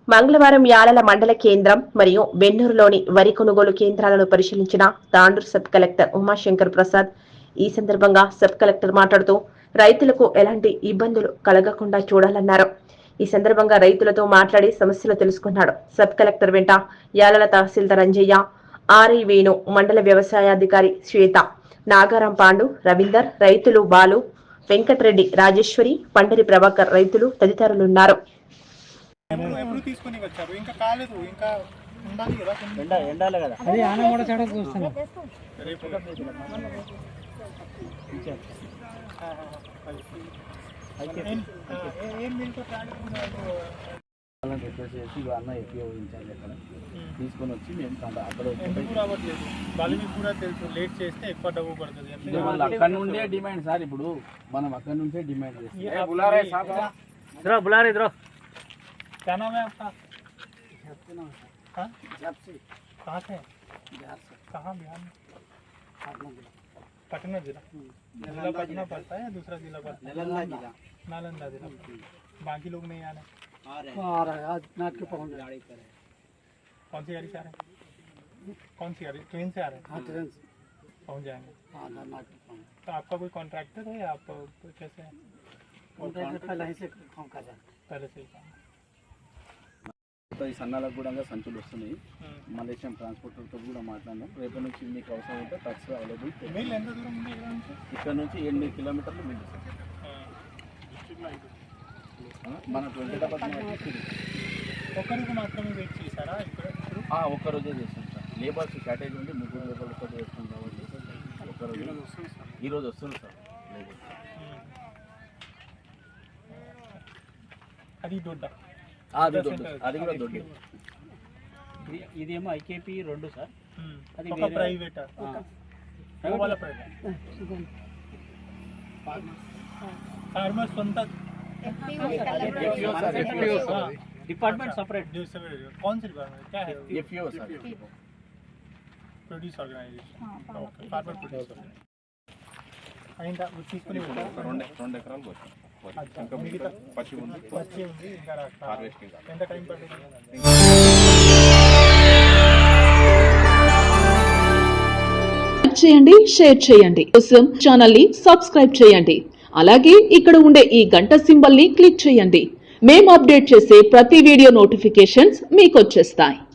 మంగళవారం యాలల మండల కేంద్రం మరియు బెన్నూరులోని వరి కొనుగోలు కేంద్రాలను పరిశీలించిన తాండూరు సబ్ కలెక్టర్ ఉమాశంకర్ ప్రసాద్. ఈ సందర్భంగా సబ్ కలెక్టర్ మాట్లాడుతూ రైతులకు ఎలాంటి ఇబ్బందులు కలగకుండా చూడాలన్నారు. ఈ సందర్భంగా రైతులతో మాట్లాడి సమస్యలు తెలుసుకున్నాడు. సబ్ కలెక్టర్ వెంట యాలల తహసీల్దార్ అంజయ్య, ఆర్ఐ వేణు, మండల వ్యవసాయాధికారి శ్వేత, నాగారం పాండు, రవీందర్, రైతులు బాలు, వెంకటరెడ్డి, రాజేశ్వరి, పండరి ప్రభాకర్, రైతులు తదితరులున్నారు. రిక్వెస్ట్ చేసి అన్న ఎక్కువ ఊహించాలి అక్కడ తీసుకొని వచ్చి మేము అక్కడ కూడా తెలుసు లేట్ చేస్తే ఎక్కువ డబ్బు పడుతుంది. అక్కడ నుండే డిమాండ్ సార్. ఇప్పుడు మనం అక్కడ నుంచే డిమాండ్ చేస్తాం. क्या नाम है आपका? कहाँ से? कहाँ बिहार में? पटना जिला। जिला पटना पड़ता है या दूसरा जिला पड़ता है? नालंदा जिला। बाकी लोग नहीं आ रहे? आ रहे हैं आज नाथ के पहुँच गाड़ी करे। कौन सी गाड़ी से आ रहे हैं? कौन सी गाड़ी? ट्रेन से आ रहे हैं? हाँ ट्रेन से पहुँच जाएंगे। हाँ नाथ के पहुँच। तो आपका कोई कॉन्ट्रैक्टर है या आप कैसे? कॉन्ट्रैक्टर पहले ही से काम कर रहे हैं। पहले से ही काम ఈ సన్నాలకు కూడా సంచులు వస్తున్నాయి. మలేషియన్ ట్రాన్స్పోర్టర్తో కూడా మాట్లాడినాం. రేపటి నుంచి మీకు అవసరం ఉంటే ట్రక్స్ అవైలబుల్. ఇక్కడ నుంచి 8 కిలోమీటర్లు మిల్లు సార్. మన 20 ఒక్కరికి మాత్రమే వెయిట్ చేశారా? ఒక్కరోజే చేస్తాం సార్. లేబర్స్ షార్టేజ్ ఉండి 3 లేబర్లతో చేస్తాం కాబట్టి ఒక్కరోజు ఈరోజు వస్తుంది సార్ లేబర్స్. అది దొడ్డ అది కూడా దొడ్డి. ఇదేమో ఐకేపీ 2 సార్. అది ప్రైవేట్ ఫార్మర్ సొంత डिपार्टमेंट सेपरेट। कौन सी डिपार्टमेंट? क्या है? FPO sir. Produce organisation. Okay farmer produce అయిందా తీసుకుని ఉంటా 2 ఎకరాలు పోతాం. ఇంకా మిగతా పచ్చి ఉంది ఇంకా హార్వెస్టింగ్. ఎంత టైం పడుతుంది? చేయండి, షేర్ చేయండి. కోసం ఛానల్ ని సబ్స్క్రైబ్ చేయండి. అలాగే ఇక్కడ ఉండే ఈ గంట సింబల్ ని క్లిక్ చేయండి. మేము అప్డేట్ చేసే ప్రతి వీడియో నోటిఫికేషన్స్ మీకు వచ్చేస్తాయి.